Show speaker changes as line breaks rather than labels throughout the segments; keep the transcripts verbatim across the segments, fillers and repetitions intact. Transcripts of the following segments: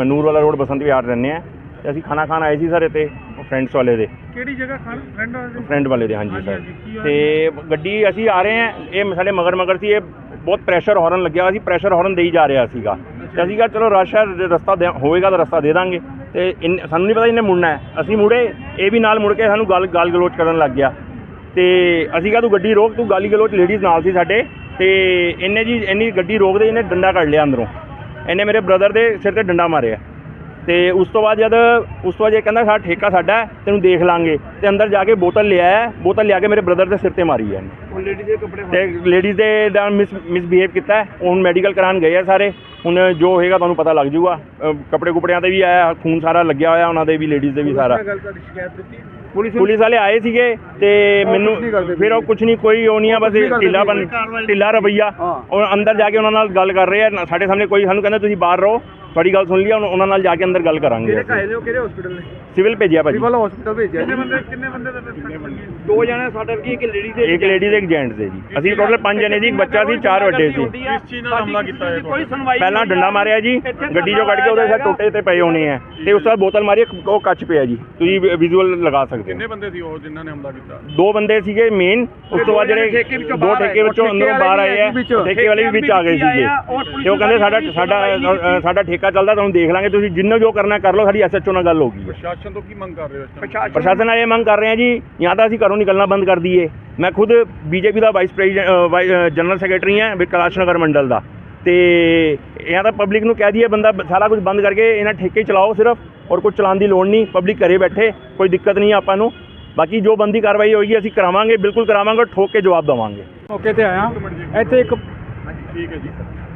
ਮੈਂ ਨੂਰ ਵਾਲਾ ਰੋਡ ਬਸੰਤ ਵਿਹਾਰ ਰਹਿੰਦੇ ਹਾਂ ਤੇ ਅਸੀਂ ਖਾਣਾ ਖਾਣ ਆਏ ਸੀ ਸਰ ਇੱਥੇ ਫਰੈਂਡਸ ਵਾਲੇ ਦੇ।
ਕਿਹੜੀ ਜਗ੍ਹਾ ਖਾਣ ਫਰੈਂਡ ਵਾਲੇ
ਫਰੈਂਡ ਵਾਲੇ ਦੇ ਹਾਂਜੀ ਸਰ। ਤੇ ਗੱਡੀ ਅਸੀਂ ਆ ਰਹੇ ਹਾਂ, ਇਹ ਸਾਡੇ ਮਗਰ ਮਗਰ ਸੀ, ਇਹ ਬਹੁਤ ਪ੍ਰੈਸ਼ਰ ਹਾਰਨ ਲੱਗਿਆ ਸੀ, ਪ੍ਰੈਸ਼ਰ ਹਾਰਨ ਦੇਈ ਜਾ ਰਿਹਾ ਸੀਗਾ ਤੇ ਅਸੀਂ ਕਿਹਾ ਚਲੋ ਰਸ਼ ਹੈ, ਰਸਤਾ ਹੋਵੇਗਾ ਤਾਂ ਰਸਤਾ ਦੇ ਦਾਂਗੇ। ਤੇ ਇਨ ਸਾਨੂੰ ਨਹੀਂ ਪਤਾ ਇਹਨੇ ਮੁੜਨਾ ਹੈ, ਅਸੀਂ ਮੁੜੇ, ਇਹ ਵੀ ਨਾਲ ਮੁੜ ਕੇ ਸਾਨੂੰ ਗੱਲ ਗਾਲ ਗਲੋਚ ਕਰਨ ਲੱਗ ਗਿਆ। ਤੇ ਅਸੀਂ ਕਿਹਾ ਤੂੰ ਗੱਡੀ ਰੋਕ, ਤੂੰ ਗਾਲੀ ਗਲੋਚ, ਲੇਡੀਜ਼ ਨਾਲ ਸੀ ਸਾਡੇ। ਤੇ ਇਹਨੇ ਜੀ ਇੰਨੀ ਗੱਡੀ ਰੋਕਦੇ ਇਹਨੇ ਡੰਡਾ ਕੱਢ ਲਿਆ ਅੰਦਰੋਂ, ਇਹਨੇ ਮੇਰੇ ਬ੍ਰਦਰ ਦੇ ਸਿਰ ਤੇ ਡੰਡਾ ਮਾਰਿਆ। ਤੇ ਉਸ ਤੋਂ ਬਾਅਦ ਜਦ ਉਸ ਤੋਂ ਬਾਅਦ ਇਹ ਕਹਿੰਦਾ ਸਾਡਾ ਠੇਕਾ ਸਾਡਾ ਹੈ, ਤੈਨੂੰ ਦੇਖ ਲਾਂਗੇ। ਤੇ ਅੰਦਰ ਜਾ ਕੇ ਬੋਤਲ ਲਿਆਇਆ, ਬੋਤਲ ਲਿਆ ਕੇ ਮੇਰੇ ਬ੍ਰਦਰ ਦੇ ਸਿਰ ਤੇ ਮਾਰੀ ਹੈ ਇਹਨੇ।
ਲੇਡੀਜ਼ ਦੇ ਕੱਪੜੇ
ਤੇ ਲੇਡੀਜ਼ ਦੇ ਦਾ ਮਿਸ ਮਿਸਬਿਹੇਵ ਕੀਤਾ ਹੈ। ਹੁਣ ਮੈਡੀਕਲ ਕਰਾਉਣ ਗਏ ਆ ਸਾਰੇ, ਹੁਣ ਜੋ ਹੋਏਗਾ ਤੁਹਾਨੂੰ ਪਤਾ ਲੱਗ ਜਾਊਗਾ। ਕੱਪੜੇ ਕੁਪੜਿਆਂ 'ਤੇ ਵੀ ਆਇਆ ਖੂਨ, ਸਾਰਾ ਲੱਗਿਆ ਹੋਇਆ ਉਹਨਾਂ ਦੇ ਵੀ, ਲੇਡੀਜ਼ ਦੇ ਵੀ ਸਾਰਾ। ਪੁਲਿਸ ਪੁਲਿਸ ਵਾਲੇ ਆਏ ਸੀਗੇ ਤੇ ਮੈਨੂੰ ਫਿਰ ਉਹ ਕੁਝ ਨਹੀਂ, ਕੋਈ ਉਹ ਨਹੀਂ ਆ, ਬਸ ਢਿੱਲਾ ਬਣ ਢਿੱਲਾ ਰਵੱਈਆ। ਉਹ ਅੰਦਰ ਜਾ ਕੇ ਉਹਨਾਂ ਨਾਲ ਗੱਲ ਕਰ ਰਹੇ ਆ ਸਾਡੇ ਸਾਹਮਣੇ, ਕੋਈ ਸਾਨੂੰ ਕਹਿੰਦਾ ਤੁਸੀਂ ਬਾਹਰ ਰਹੋ, ਤੁਹਾਡੀ ਗੱਲ ਸੁਣ ਲਈ, ਉਹਨਾਂ ਨਾਲ ਜਾ ਕੇ ਅੰਦਰ ਗੱਲ ਕਰਾਂਗੇ।
ਕਿਹੜੇ ਹਸਪੀਟਲ ਨੇ?
ਸਿਵਲ ਭੇਜਿਆ ਭਾਜੀ,
ਸਿਵਲ ਹਸਪੀਟਲ ਭੇਜਿਆ। ਕਿੰਨੇ ਬੰਦੇ ਕਿੰਨੇ ਬੰਦੇ ਦਾ? ਦੋ ਜਣੇ ਸਾਡੇ ਵਰਗੀ, ਇੱਕ ਲੇਡੀ ਦੇ
ਇੱਕ ਲੇਡੀ ਦੇ ਇੱਕ ਜੈਂਟਸ ਦੇ ਜੀ। ਅਸੀਂ ਟੋਟਲ ਪੰਜ ਜਣੇ ਸੀ, ਇੱਕ ਬੱਚਾ ਸੀ, ਚਾਰ ਵੱਡੇ ਸੀ।
ਕਿਸ ਚੀਜ਼ ਨਾਲ ਹਮਲਾ ਕੀਤਾ ਹੈ? ਕੋਈ ਸੁਣਵਾਈ
ਪਹਿਲਾਂ ਡੰਡਾ ਮਾਰਿਆ ਜੀ, ਗੱਡੀ ਚੋਂ ਕੱਢ ਕੇ ਉਹਦੇ ਸਿਰ ਟੋਟੇ ਤੇ ਪਏ ਹੋਣੇ ਆ, ਤੇ ਉਸ ਤੋਂ ਬਾਅਦ ਬੋਤਲ ਮਾਰੀ, ਉਹ ਕੱਚ ਪਿਆ ਜੀ, ਤੁਸੀਂ ਵਿਜ਼ੂਅਲ ਲਗਾ ਸਕਦੇ ਹੋ।
ਕਿੰਨੇ ਬੰਦੇ ਸੀ ਉਹ ਜਿਨ੍ਹਾਂ ਨੇ ਹਮਲਾ ਕੀਤਾ?
ਦੋ ਬੰਦੇ ਸੀਗੇ ਮੇਨ, ਉਸ ਤੋਂ ਬਾਅਦ ਜਿਹੜੇ ਦੋ ਠੇਕੇ ਵਿੱਚੋਂ ਅੰਦਰੋਂ ਬਾਹਰ ਆਏ ਆ, ਠੇਕੇ ਵਾਲੇ ਵੀ ਵਿੱਚ ਆ ਗਏ ਸੀਗੇ। ਤੇ ਉਹ ਕਹਿੰਦੇ ਸਾਡਾ ਸਾਡਾ ਸਾਡਾ ਠੇਕਾ ਚੱਲਦਾ, ਤੁਹਾਨੂੰ ਦੇਖ ਲਾਂਗੇ, ਤੁਸੀਂ ਜਿੰਨਾ ਜੋ ਕਰਨਾ ਕਰ ਲਓ, ਸਾਡੀ ਐਸ ਐਚ ਓ ਨਾਲ ਗੱਲ ਹੋ ਗਈ।
ਪ੍ਰਸ਼ਾਸਨ ਤੋਂ ਕੀ ਮੰਗ ਕਰ ਰਹੇ ਹੋ?
ਪ੍ਰਸ਼ਾਸਨ ਨਾਲ ਇਹ ਮੰਗ ਕਰ ਰਹੇ ਆ ਜੀ, ਜਾਂ ਤਾਂ ਅਸੀਂ ਘਰੋਂ ਨਿਕਲਣਾ ਬੰਦ ਕਰ ਦਈਏ। ਮੈਂ ਖੁਦ ਬੀਜੇਪੀ ਦਾ ਵਾਈਸ ਪ੍ਰੈਜ਼ੀਡੈਂਟ ਜਨਰਲ ਸੈਕਟਰੀ ਹਾਂ ਕੈਲਾਸ਼ ਨਗਰ ਮੰਡਲ ਦਾ। ਤੇ ਜਾਂ ਤਾਂ ਪਬਲਿਕ ਨੂੰ ਕਹਿ ਦਈਏ ਬੰਦਾ ਸਾਰਾ ਕੁਝ ਬੰਦ ਕਰਕੇ ਇਹਨਾਂ ਠੇਕੇ ਚਲਾਓ ਸਿਰਫ, ਔਰ ਕੁਝ ਚਲਾਉਣ ਦੀ ਲੋੜ ਨਹੀਂ, ਪਬਲਿਕ ਘਰੇ ਬੈਠੇ, ਕੋਈ ਦਿੱਕਤ ਨਹੀਂ ਆਪਾਂ ਨੂੰ। ਬਾਕੀ ਜੋ ਬੰਦੀ ਕਾਰਵਾਈ ਹੋਏਗੀ ਅਸੀਂ ਕਰਾਵਾਂਗੇ, ਬਿਲਕੁਲ ਕਰਾਵਾਂਗੇ, ਠੋਕ ਕੇ ਜਵਾਬ ਦੇਵਾਂਗੇ।
ਮੌਕੇ ਤੇ ਆਇਆ, ਇੱਥੇ ਇੱਕ
ਠੀਕ ਹੈ ਜੀ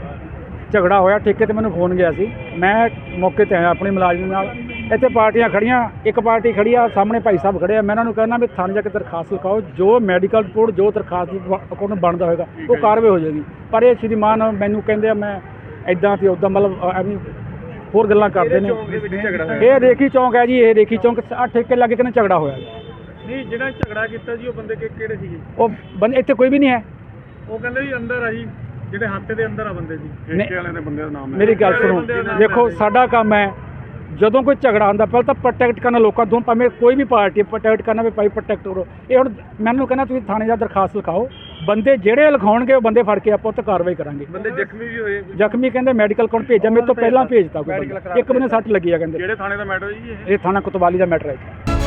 ਝਗੜਾ ਹੋਇਆ, ਠੇਕੇ ਤੇ ਮੈਨੂੰ ਫੋਨ ਗਿਆ ਸੀ, ਮੈਂ ਮੌਕੇ ਤੇ ਆਇਆ ਆਪਣੀ ਮੁਲਾਜ਼ਮ ਨਾਲ। ਇੱਥੇ ਪਾਰਟੀਆਂ ਖੜੀਆਂ, ਇੱਕ ਪਾਰਟੀ ਖੜੀ ਆ ਸਾਹਮਣੇ, ਭਾਈ ਸਾਹਿਬ ਖੜੇ ਆ। ਮੈਂ ਇਹਨਾਂ ਨੂੰ ਕਹਿੰਦਾ ਵੀ ਥਾਣੇ ਜਾ ਕੇ ਦਰਖਾਸਤ ਲਿਖਾਓ, ਜੋ ਮੈਡੀਕਲ ਰਿਪੋਰਟ ਜੋ ਦਰਖਾਸਤ ਦੀ ਅਕੋਰਡਿੰਗ ਬਣਦਾ ਹੋਏਗਾ ਉਹ ਕਾਰਵਾਈ ਹੋ ਜਾਏਗੀ। ਪਰ ਇਹ ਸ਼੍ਰੀਮਾਨ ਮੈਨੂੰ ਕਹਿੰਦੇ ਆ ਮੈਂ ਇੱਦਾਂ ਤੇ ਉੱਦਾਂ, ਮਤਲਬ ਐਵੇਂ ਹੋਰ ਗੱਲਾਂ ਕਰਦੇ ਨੇ। ਇਹ ਰੇਖੀ ਚੌਂਕ ਹੈ ਜੀ, ਇਹ ਰੇਖੀ ਚੌਂਕ ਆ ਠੇਕੇ ਲੱਗੇ ਕਹਿੰਦੇ ਝਗੜਾ ਹੋਇਆ।
ਨਹੀਂ, ਜਿਹੜਾ ਝਗੜਾ ਕੀਤਾ ਜੀ ਉਹ ਬੰਦੇ ਕਿਹੜੇ ਸੀਗੇ?
ਉਹ ਬੰਦੇ ਇੱਥੇ ਕੋਈ ਵੀ ਨਹੀਂ ਹੈ।
ਉਹ ਕਹਿੰਦੇ ਜੀ ਅੰਦਰ ਆ ਜੀ, ਜਿਹੜੇ ਹੱਥ ਦੇ ਅੰਦਰ ਆ ਬੰਦੇ ਜੀ, ਠੇਕੇ ਵਾਲੇ ਦੇ ਬੰਦੇ ਦਾ ਨਾਮ ਹੈ।
ਮੇਰੀ ਗੱਲ ਸੁਣੋ, ਦੇਖੋ ਸਾਡਾ ਕੰਮ ਹੈ ਜਦੋਂ ਕੋਈ ਝਗੜਾ ਹੁੰਦਾ ਪਹਿਲਾਂ ਤਾਂ ਪ੍ਰੋਟੈਕਟ ਕਰਨਾ ਲੋਕਾਂ ਤੋਂ, ਭਾਵੇਂ ਕੋਈ ਵੀ ਪਾਰਟੀ ਪ੍ਰੋਟੈਕਟ ਕਰਨਾ ਵੀ ਭਾਈ ਪ੍ਰੋਟੈਕਟ ਕਰੋ। ਇਹ ਹੁਣ ਮੈਨੂੰ ਕਹਿੰਦਾ ਤੁਸੀਂ ਥਾਣੇ ਜਾ ਦਰਖਾਸਤ ਲਿਖਾਓ, ਬੰਦੇ ਜਿਹੜੇ ਲਿਖਾਉਣਗੇ ਉਹ ਬੰਦੇ ਫੜ ਕੇ ਆਪਾਂ ਉੱਤੇ ਕਾਰਵਾਈ ਕਰਾਂਗੇ।
ਬੰਦੇ ਜ਼ਖਮੀ ਵੀ ਹੋਏ?
ਜ਼ਖਮੀ ਕਹਿੰਦੇ ਮੈਡੀਕਲ ਕੋਲ ਭੇਜਿਆ, ਮੇਰੇ ਤੋਂ ਪਹਿਲਾਂ ਭੇਜਤਾ ਕੋਈ, ਇੱਕ ਬੰਦੇ ਸੱਟ ਲੱਗੀ ਆ ਕਹਿੰਦੇ।
ਕਿਹੜੇ ਥਾਣੇ ਦਾ ਮੈਟਰ ਜੀ ਇਹ?
ਇਹ ਥਾਣਾ ਕੋਤਵਾਲੀ ਦਾ ਮੈਟਰ ਹੈ।